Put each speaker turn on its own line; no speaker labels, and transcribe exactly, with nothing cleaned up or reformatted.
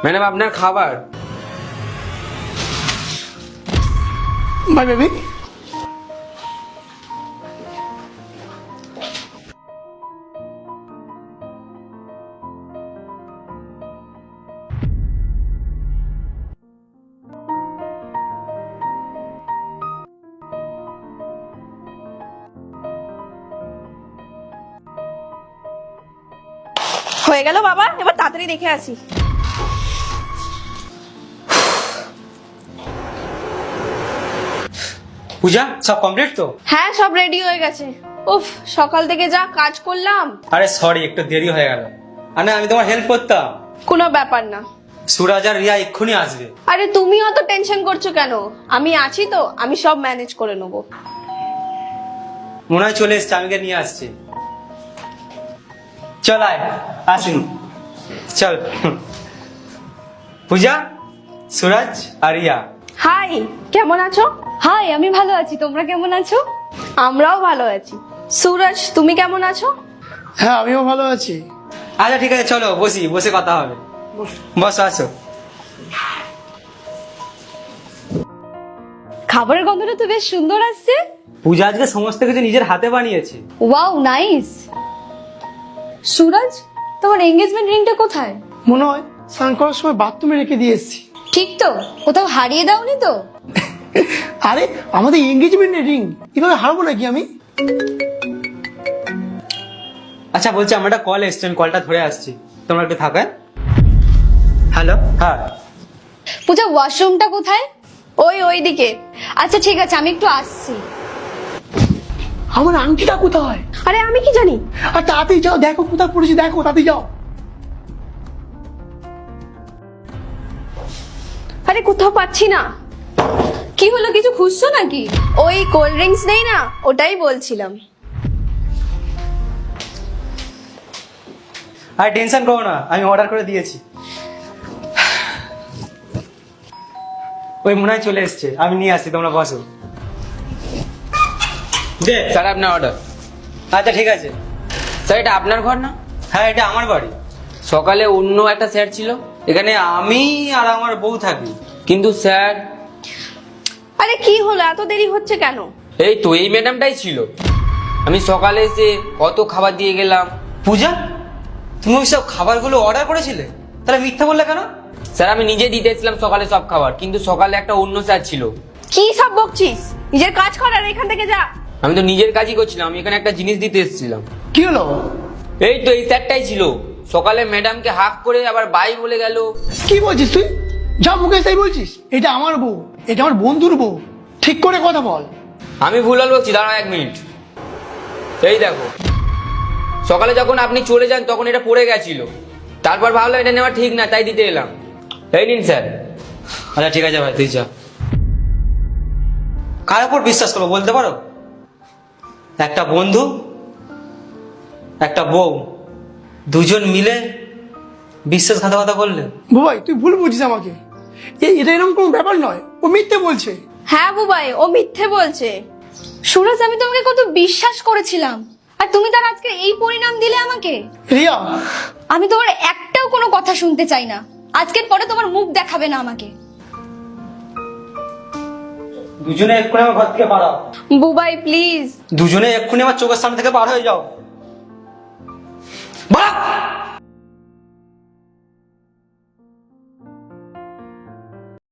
Madam আপনার খাবার।
Bye baby.
হয়ে গেল বাবা, এবার তাড়াতাড়ি দেখে আসি।
পূজা সব কমপ্লিট তো?
হ্যাঁ সব রেডি হয়ে গেছে। উফ, সকাল থেকে যা কাজ করলাম।
আরে সরি, একটু দেরি হয়ে গেল। আরে আমি তোমার হেল্প করতাম।
কোনো ব্যাপার না।
সুরাজ আর রিয়া এক্ষুনি আসবে।
আরে তুমি অত টেনশন করছো কেন? আমি আছি তো, আমি সব ম্যানেজ করে নেবো।
মনে হয় চলে এসছে, আমি নিয়ে আসছি। চল আয়, আসুন চল। পূজা, সুরাজ আর রিয়া।
হাই, কেমন আছো?
হাই, আমি ভালো আছি, তোমরা কেমন আছো?
আমরাও ভালো আছি। সুরজ, তুমি কেমন আছো?
হ্যাঁ আমিও ভালো আছি।
আচ্ছা ঠিক আছে, চলো বসি, বসে কথা হবে। বসো, আসো।
খাবারের গন্ধটা তো বেশ সুন্দর আসছে।
পূজা আজকে সমস্ত কিছু নিজের হাতে বানিয়েছে।
Wow, nice. সুরজ, তোমার এঙ্গেজমেন্ট রিংটা কোথায়?
মনে হয় স্নান করার সময় বাথরুমে রেখে দিয়ে এসেছি।
ঠিক তো? কোথাও হারিয়ে দাওনি তো?
আরে আমাদের এঙ্গেজমেন্টের রিং এভাবে হারবো নাকি আমি?
আচ্ছা বলছি, আমার একটা কল এসছে, আমি কলটা ধরে আসছি, তোমরা একটু থাকো। হ্যালো। হ্যাঁ
পূজা, ওয়াশরুমটা কোথায়?
ওই ওইদিকে।
আচ্ছা ঠিক আছে, আমি একটু আসছি।
আমার আংটিটা কোথায়?
আরে আমি কি জানি।
আর তাড়াতাড়ি যাও, দেখো কোথায় পড়েছি, দেখো তাড়াতাড়ি যাও।
আরে কোথাও পাচ্ছি না।
কি হলো, কিছু খুঁজছো নাকি?
ওই কোল্ড ড্রিঙ্কস নেই না, ওটাই বলছিলাম।
আর টেনশন করো না, আমি অর্ডার করে দিয়েছি। ওই মনে হয় চলে এসছে, আমি নিয়ে আসছি, তোমরা বসো। দে।
স্যার আপনার অর্ডার।
আচ্ছা ঠিক আছে।
স্যার এটা আপনার ঘর না?
হ্যাঁ এটা আমার বাড়ি।
সকালে অন্য একটা স্যার ছিল।
এখানে আমি আর আমার বউ থাকি।
কিন্তু স্যার,
আরে কি হলো, এত দেরি হচ্ছে কেন?
এই তো এই ম্যাডামটাই ছিল। আমি সকালে এসে কত খাবার দিয়ে গেলাম।
পূজা, তুমি ওই সব খাবারগুলো অর্ডার করেছিলে? তাহলে মিথ্যা বললে কেন?
স্যার আমি নিজে দিতে এসেছিলাম সকালে সব খাবার, কিন্তু সকালে একটা অন্য স্যার ছিল।
কি সব বকছিস? নিজের কাজ কর আর এখান থেকে যা।
আমি তো নিজের কাজই করছিলাম, আমি এখানে একটা জিনিস দিতে এসেছিলাম।
কি হলো?
এই তো এই স্যারটাই ছিল। সকালে ম্যাডামকে হাক করে আবার বাই বলে গেল।
কি বলছিস তুই? যা মুখে তাই বলছিস? এটা আমার বউ, এটা আমার বন্ধুর বউ, ঠিক করে কথা বল।
আমি ভুল ভাল বলছি, দাঁড়াও এক মিনিট। এই দেখো, সকালে যখন আপনি চলে যান তখন এটা পড়ে গেছিল। তারপর ভাবলাম এটা নেওয়া ঠিক না, তাই দিতে এলাম। এই নিন স্যার।
আচ্ছা ঠিক আছে ভাই, তুই যা। কার উপর বিশ্বাস করবো বলতে পারো? একটা বন্ধু, একটা বউ, দুজন মিলে বিশ্বাসঘাতকতা করলে।
ভাই তুই ভুল বুঝিস আমাকে। এই এটা এরকম কোনো ব্যাপার নয়, ও মিথ্যে বলছে।
হ্যাঁ বুবাই, ও মিথ্যে বলছে।
সুরজ, আমি তোমাকে কত বিশ্বাস করেছিলাম, আর তুমি তার আজকে এই পরিণাম দিলে আমাকে।
রিয়া,
আমি তোমার একটাও কোনো কথা শুনতে চাই না। আজকের পরে তোমার মুখ দেখাবে না আমাকে।
দুজনে এক্ষুনি আমার ঘর থেকে পালাও।
বুবাই প্লিজ।
দুজনে এক্ষুনি আমার চোখের সামনে থেকে বার হয়ে যাও। বাড়া!